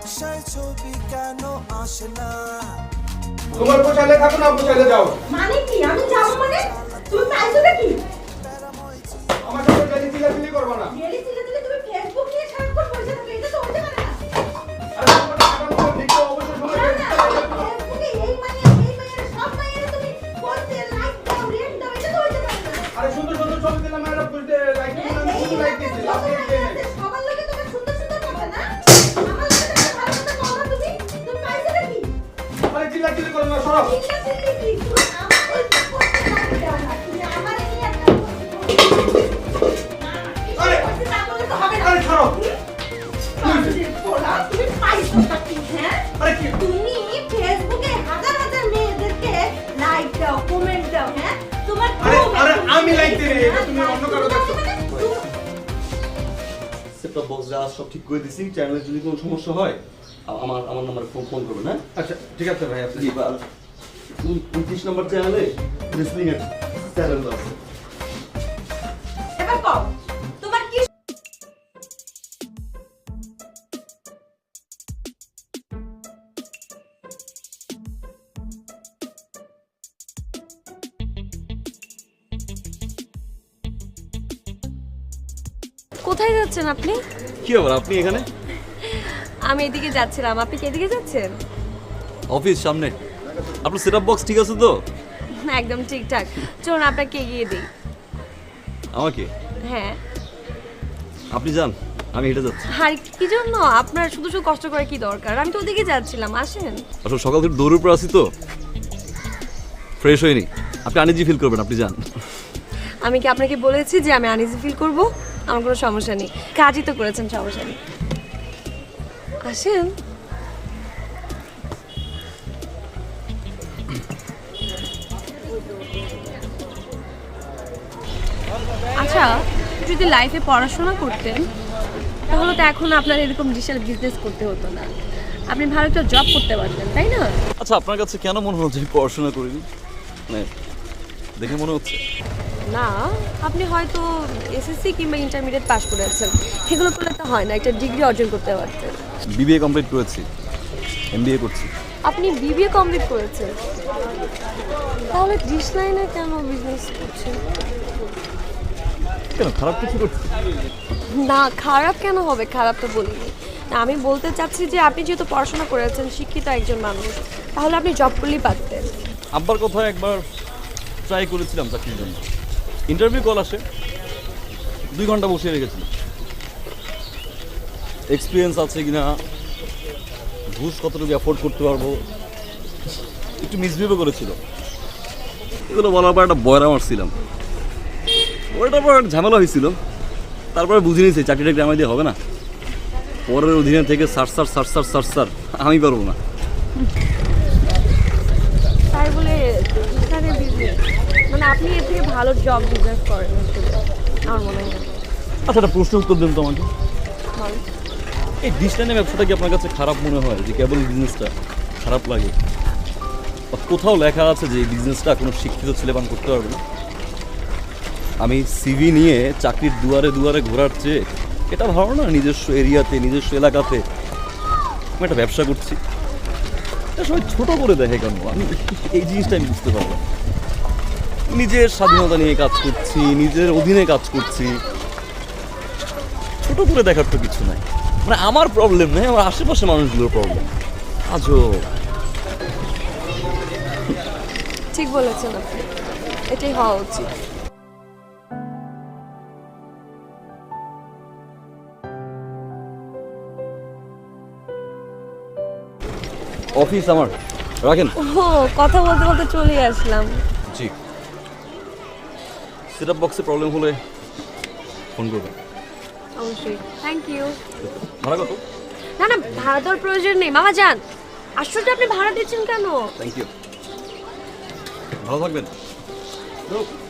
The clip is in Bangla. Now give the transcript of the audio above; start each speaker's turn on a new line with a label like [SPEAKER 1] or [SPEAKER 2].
[SPEAKER 1] নকশায় ছবি কেন আসে না?
[SPEAKER 2] তোমার পোষাইলে থাকো না পোষাইলে যাও।
[SPEAKER 3] মানে কি আমি যাব মানে তুমি পাইছো নাকি?
[SPEAKER 2] আমার সাথে গেলি চিল্লাচিল্লি করবে না।
[SPEAKER 3] গেলি ছিলে তুমি ফেসবুক নিয়ে সারাক্ষণ বসে থাকো, এটা তো হতে পারে না।
[SPEAKER 2] আরে তোমার টাকাগুলো লিখে অবশ্যই সময়
[SPEAKER 3] না,
[SPEAKER 2] বের
[SPEAKER 3] না,
[SPEAKER 2] করতে হবে।
[SPEAKER 3] ফেসবুকে এই মাইয়ের সব মাইয়ের তুমি করতে লাইক দাও, রেট দাও, এটা তো হতে পারে না।
[SPEAKER 2] আরে সুন্দর সুন্দর ছবি দিলাম এরা বুঝতে লাইক দিলাম আমি শুধু লাইক দিছি লাভ দিই
[SPEAKER 3] সবার লোকে তোমার সুন্দর সুন্দর কথা না, আমার লোকে তুমি ভালো কথা বলো না, তুমি পাইছো নাকি?
[SPEAKER 2] আরে চিল্লাচিল্লি করো না সরো।
[SPEAKER 3] চিল্লা চিল্লি কি তুমি আমার করতে লাইক দাও না, তুমি আমার এই একটা
[SPEAKER 2] আরে
[SPEAKER 3] করতে না বলে তো হবে না।
[SPEAKER 2] আরে ছাড়ো।
[SPEAKER 3] তুমি পাইছো নাকি? হ্যাঁ,
[SPEAKER 2] আরে কি
[SPEAKER 3] তুমি ফেসবুকে হাজার হাজার মেয়েদেরকে লাইক দাও, কমেন্ট দাও, হ্যাঁ তোমার
[SPEAKER 2] আরে আমি লাইক দিই না, এটা তুমি অন্য কারো দেখছো।
[SPEAKER 4] সেটটপ বক্স যা সব ঠিক করে দিছি, চ্যানেলের যদি কোনো সমস্যা হয় আমার নাম্বারে ফোন করবেন। হ্যাঁ
[SPEAKER 2] আচ্ছা ঠিক আছে ভাই আপনি
[SPEAKER 4] জি, 29 নম্বর চ্যানেলে রেসলিং এর চ্যানেল আছে।
[SPEAKER 3] এবার কও তোমার কি
[SPEAKER 5] কোথায় যাচ্ছেন আপনি?
[SPEAKER 4] কি ব্যাপার আপনি এখানে?
[SPEAKER 5] আমি এদিকে যাচ্ছিলাম, আপনি কি এদিকে যাচ্ছেন?
[SPEAKER 4] অফিস সামনে। আপনার সেটআপ বক্স ঠিক আছে তো?
[SPEAKER 5] একদম ঠিকঠাক। চলুন আপনাকে এগিয়ে দিই।
[SPEAKER 4] আমাকে?
[SPEAKER 5] হ্যাঁ।
[SPEAKER 4] আপনি যান, আমি হেঁটে যাচ্ছি।
[SPEAKER 5] আর কি জন্য আপনার শুধু শুধু কষ্ট করে কি দরকার? আমি তো ওদিকে যাচ্ছিলাম, আসেন।
[SPEAKER 4] আসলে সকাল থেকে দৌড়ের উপর আছি তো, ফ্রেশ হয়নি। আপনি আনইজি ফিল করবেন, আপনি যান।
[SPEAKER 5] আমি কি আপনাকে বলেছি যে আমি আনইজি ফিল করব? আমার কোনো সমস্যা নেই, কাজই তো করেছেন, সমস্যা নেই। আসেন। আচ্ছা, যদি লাইফে পড়াশোনা করতেন তাহলে তো এখন আপনার এরকম ডিজিটাল বিজনেস করতে হতো না, আপনি ভালো একটা জব করতে পারতেন, তাই না?
[SPEAKER 4] আচ্ছা, আপনার কাছে কেন মনে হচ্ছে আমি পড়াশোনা করিনি? মানে দেখে মনে হচ্ছে।
[SPEAKER 5] না, আপনি হয়তো এসএসসি কিংবা ইন্টারমিডিয়েট পাস করেছেন, সেগুলো করলে তো হয় না, একটা ডিগ্রি অর্জন করতে পারতেন।
[SPEAKER 4] বিবিএ কমপ্লিট করেছি, এমবিএ করছি।
[SPEAKER 5] আপনি বিবিএ কমপ্লিট করেছেন, তাহলে ডিশ লাইনে কেন বিজনেস করছেন?
[SPEAKER 4] কেন খারাপ কিছু করছি?
[SPEAKER 5] না, খারাপ কেন হবে? খারাপ তো বলিনি। না, আমি বলতে চাচ্ছি যে আপনি যেহেতু পড়াশোনা করেছেন, শিক্ষিত একজন মানুষ, তাহলে আপনি জব করলেই পারতেন।
[SPEAKER 4] আব্বার কথা একবার ট্রাই করেছিলাম চাকরির জন্য, ইন্টারভিউ কল আসে, 2 ঘন্টা বসিয়ে রেখেছিল। এক্সপিরিয়েন্স আছে কিনা, ঘুষ কতটুকু অ্যাফোর্ড করতে পারবো, একটু মিসবিহেভও করেছিল। এগুলো বলার পর একটা বয়রা মারছিলাম, ওটার পর একটা ঝামেলা হয়েছিল। তারপরে বুঝে নিয়েছি চাকরিটা গ্রামে দিয়ে হবে না, পরের অধীনে থেকে সার আমি পারবো না।
[SPEAKER 5] তাই বলে এখানে বিজনেস, মানে আপনি এর থেকে ভালো জব বিজনেস করেন আসলে, আমার মনে হয়।
[SPEAKER 4] আচ্ছা, একটা প্রশ্ন উত্তর দেন তো আমাকে।
[SPEAKER 5] বলেন।
[SPEAKER 4] এই ডিস্টানের ব্যবসাটা কি আপনার কাছে খারাপ মনে হয়, যে কেবল বিজনেসটা খারাপ লাগে? বা কোথাও লেখা আছে যে এই বিজনেসটা কোনো শিক্ষিত ছেলেপান করতে পারবে না? আমি সিভি নিয়ে চাকরির দুয়ারে দুয়ারে ঘোরার চেয়ে এটা ভালো না, নিজস্ব এরিয়াতে নিজস্ব এলাকাতে আমি একটা ব্যবসা করছি। এটা সবাই ছোটো করে দেখে কেন? আমি এই জিনিসটা আমি বুঝতে পারলাম। নিজের স্বাধীনতা নিয়ে কাজ করছি, নিজের অধীনে কাজ করছি, ছোট করে দেখার তো কিছু নাই। মানে আমার প্রবলেম নেই, আমার আশেপাশে মানুষগুলোর প্রবলেম। আজও
[SPEAKER 5] ঠিক বলেছেন আপনি, এটাই হওয়া উচিত।
[SPEAKER 4] অফিস আমার, রাখেন।
[SPEAKER 5] ও, কথা বলতে বলতে চলে আসলাম।
[SPEAKER 4] জি, সেটআপ বক্সে প্রবলেম হলে ফোন করবেন।
[SPEAKER 5] অবশ্যই, থ্যাংক ইউ।
[SPEAKER 4] ভাড়া কত?
[SPEAKER 5] না না, ভাড়া দেওয়ার প্রয়োজন নেই, মামা যান। আশ্চর্য, আপনি ভাড়া দিচ্ছেন কেন?
[SPEAKER 4] থ্যাংক ইউ, ভালো থাকবেন।